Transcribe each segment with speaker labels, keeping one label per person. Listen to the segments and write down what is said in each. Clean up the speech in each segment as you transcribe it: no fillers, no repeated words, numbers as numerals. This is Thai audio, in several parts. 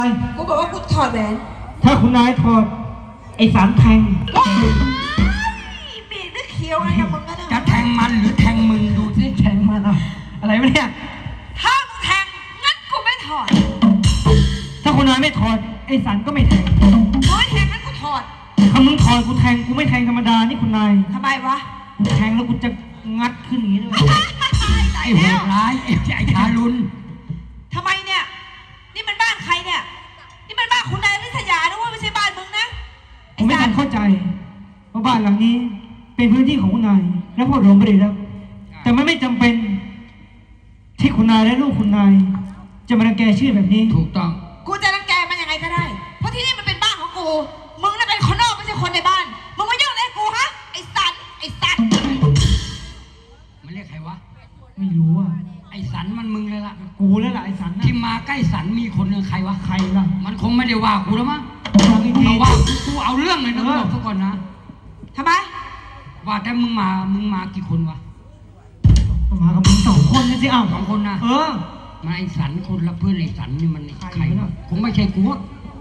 Speaker 1: กูบอกว่ากูถอดแหวน
Speaker 2: ถ้าคุณนายถอดไอ้สารแทง
Speaker 1: ว้ายบีบหรือเขียวอะไรกับมึงกัน
Speaker 3: จะแทงมันหรือแทงมึงดูสิแทงมันเอาอะไรวะเนี่ย
Speaker 1: ถ้ามึงแทงงั้นกูไม่ถอด
Speaker 2: ถ้าคุณนายไม่ถอดไอ้สันก็ไม่แทง
Speaker 1: มึงไม่แทงงั้นกูถอด
Speaker 2: ถ้ามึงถอดกูแทงกูไม่แทงธรรมดานี่คุณนาย
Speaker 1: ทำไมวะ
Speaker 2: กูแทงแล้วกูจะงัดขึ้นอย่างนี้ด้วย
Speaker 1: ตาย
Speaker 3: ไอ้โห
Speaker 1: แล้ว
Speaker 3: ดร้ายไอ้ทารุณ
Speaker 1: ทำไมเนี่ย นี่มันบ้านใครเนี่ย นี่มันบ้านคุณนายวิทยานะเว่าไม่ใช่บ้านมึงนะ
Speaker 2: ผมไม่ทันเข้าใจว่าบ้านหลังนี้เป็นพื้นที่ของคุณนายและพ่อหลวงไม่ได้รับแต่มันไม่จำเป็นที่คุณนายและลูกคุณนายจะมารังแกชื่อแบบนี้
Speaker 3: ถูกต้อง
Speaker 1: กูจะรังแกมันยังไงก็ได้ เพราะที่นี่มันเป็นบ้านของกู มึงน่ะเป็นคนนอกไม่ใช่คนในบ้าน มึงมายุ่งอะไรกับกูฮะ ไอ้สันไอ้สัน
Speaker 3: มันเรียกใครวะ
Speaker 2: ไม่รู้อ่ะ
Speaker 3: ไอ้สันมันมึงเลยล่ะ
Speaker 2: กูแล้วล่ะไอ้สันนะ
Speaker 3: ที่มาใกล้สันมีคนหนึ่งใครวะ
Speaker 2: ใครล่ะ
Speaker 3: มันคงไม่ได้ว่ากูแล้วมั้ง
Speaker 2: ฟังอีกที
Speaker 3: มาว่ากูเอาเรื่องเลยนะบอกซะก่อนนะ
Speaker 1: ทำไม
Speaker 3: ว่าแต่มึงมากี่คนวะ
Speaker 2: มากับมึง2 คนนี่สิอ้าว
Speaker 3: 2 คนนะ
Speaker 2: เออ
Speaker 3: มาไอ้สันคนละเพื่อนไอ้สันนี่มัน
Speaker 2: ใคร
Speaker 3: ใคร
Speaker 2: วะ
Speaker 3: วะคงไม่ใช่กูอะ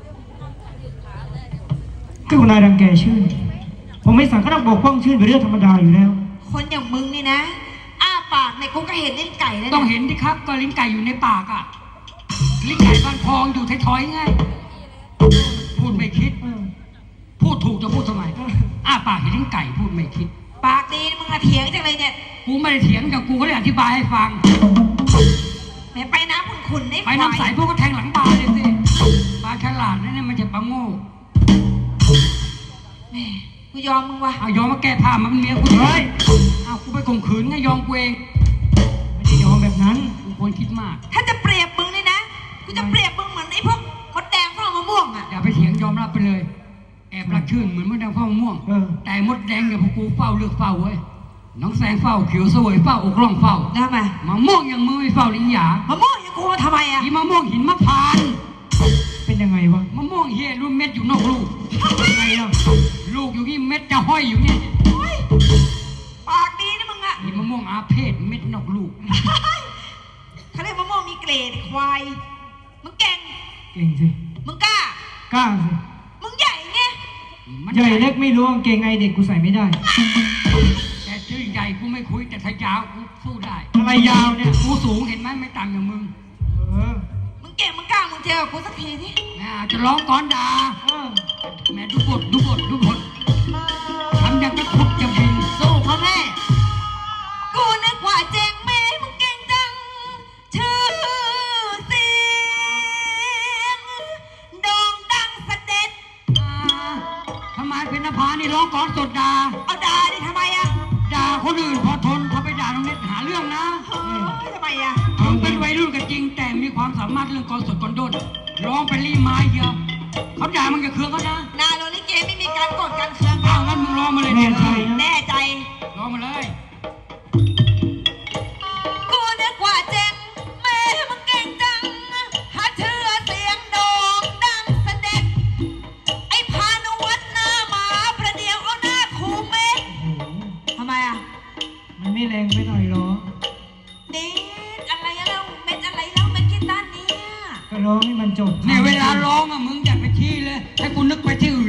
Speaker 2: ก็คุณนายรังแกชื่อผมไม่สั่งก็ต้องปกป้องชื่อเป็นเรื่องธรรมดาอยู่แล้ว
Speaker 1: คนอย่างมึงนี่นะ อ้าปากเนี่ยกูก็เห็นเล่นไก่แล้ว
Speaker 3: ต้อง
Speaker 1: นะ
Speaker 3: เห็นดิครับก็ลิ้นไก่อยู่ในปากอ่ะลิ้นไก่บ้านพองอยู่ท้อยๆไงพูดไม่คิด พูดถูกจะพูดทำไมอ้าปากเห็นลิ้นไก่พูดไม่คิด
Speaker 1: ปากดีมึงอะเถียงจังเลยเนี่ย
Speaker 3: กูไม่ได้เถียงกับกูเขาเลยอธิบายให้ฟัง
Speaker 1: แหมไปน้ำขุ่นๆได้
Speaker 3: ไปน้ำใสพวกก็แทงหลังปลาเลยสิปลาฉลาดนั่นมันจะปลาโง่
Speaker 1: แหมกูยอมมึงว่ะ
Speaker 3: เอายอมมาแก้ผ้ามันเมียกูเฮ้ยเอากูไปข่มขืนไงยอมกูเอง
Speaker 2: ไม่ได้ยอมแบบนั้น
Speaker 3: กูควรคิดมาก
Speaker 1: ถ้าจะเปรียบมึงนี่นะ กูจะเปรียบมึงเหมือนไอ้พวกมดแดงเฝ้ามะม่วงอะ
Speaker 3: อย่าไปเถียงยอมรับไปเลย แอบรักชื่นเหมือนมดแดงเฝ้ามะม่วง
Speaker 2: เออ
Speaker 3: แต่มดแดงเนี่ยพวกกูเฝ้าเลือกเฝ้าเว้ยน้องแสงเฝ้าเขียวเสวยเฝ้าอกร่องเฝ้า
Speaker 1: ได้ไหม
Speaker 3: มะม่วงอย่างมือไม่เฝ้าลิ้นหยาม
Speaker 1: ะม่วงอย่างกูมาทำไมอะ
Speaker 3: อีมะม่วงหินมะพร้าน
Speaker 2: เป็นยังไงวะ
Speaker 3: มะม่วงเฮียรุ่นเม็ดอยู่นอกลูก
Speaker 2: ยังไงล่ะ
Speaker 3: ลูกอยู่นี่เม็ดจะห้อยอยู่นี่
Speaker 1: โอ๊ยปากดีนะมึงอะ
Speaker 3: อีมะม่วงอาเพศเม็ดนอกลูก
Speaker 1: เขาเรียกมะม่วงมีเกรดควาย มึงเก่ง
Speaker 2: เก่งสิ
Speaker 1: มึงกล้า
Speaker 2: กล้าสิ
Speaker 1: มึงใหญ่ไง
Speaker 3: มัน
Speaker 2: ใหญ่เล็กไม่รู้กางเกงไงเด็กกูใส่ไม่ได้
Speaker 3: แต่ชื่อใหญ่กูไม่คุยแต่ถ้ายาวกูสู้ได้
Speaker 2: อะไรยาวเนี่ย
Speaker 3: กูสูงเห็นไหมไม่ต่างจากมึง
Speaker 2: เออ
Speaker 1: มึงเก่งมึงกล้ามึงเจอกูสักทีสิ
Speaker 3: จะร้องก้อนด่า
Speaker 2: เออ
Speaker 3: แม่ดูบททำอย่างจะขุดจะบิน
Speaker 1: สู้เขาแน่กูนึกว่าเจ๋งแม่มึงเก่งจัง ชื่อเสียงโด่งดังเสด็จ
Speaker 3: ทำไมเป็นนภานี่ร้องก้อนสดด่า
Speaker 1: เอาด่าดิทำไมอะ
Speaker 3: ด่าคนอื่นพอทนถ้าไปด่าน้องเน็ตหาเรื่องนะ
Speaker 1: เฮ้ยทำไมอะ
Speaker 3: มึงเป็นวัยรุ่นกันจริง แต่มีความสามารถเรื่องกลสดกลด้นร้องเป็นรีไม้เยอะเขาด่ามึงอย่าเคืองเขานะ
Speaker 1: นาโรลิเกไม่มีการกดการเคือง
Speaker 3: เอางั้นมึงร้องมาเลย
Speaker 2: แน่ใจ
Speaker 1: แน่ใจ
Speaker 3: ร้องมาเลย
Speaker 1: กูนึกว่าเจ๋งแม่มึงเก่งจัง หาเชื่อเสียงโด่งดังเสด็จ ไอ้พานุวัฒน์หน้าหมาประเดี๋ยวเอาหน้าคูเม็ด
Speaker 2: โอ้โห
Speaker 1: ทำไมอะ
Speaker 2: มันไม่แรงไปหน่อยเหรอ
Speaker 1: เด็ดอะไรอะเราเม็ดอะไรเราเม็ดกีตาร์เนี่ย
Speaker 2: ก็ร้องให้มันจบ
Speaker 3: เนี่ยเวลาร้องอ่ะมึงอย่าไปที่เลยให้กูนึกไปที่อื่น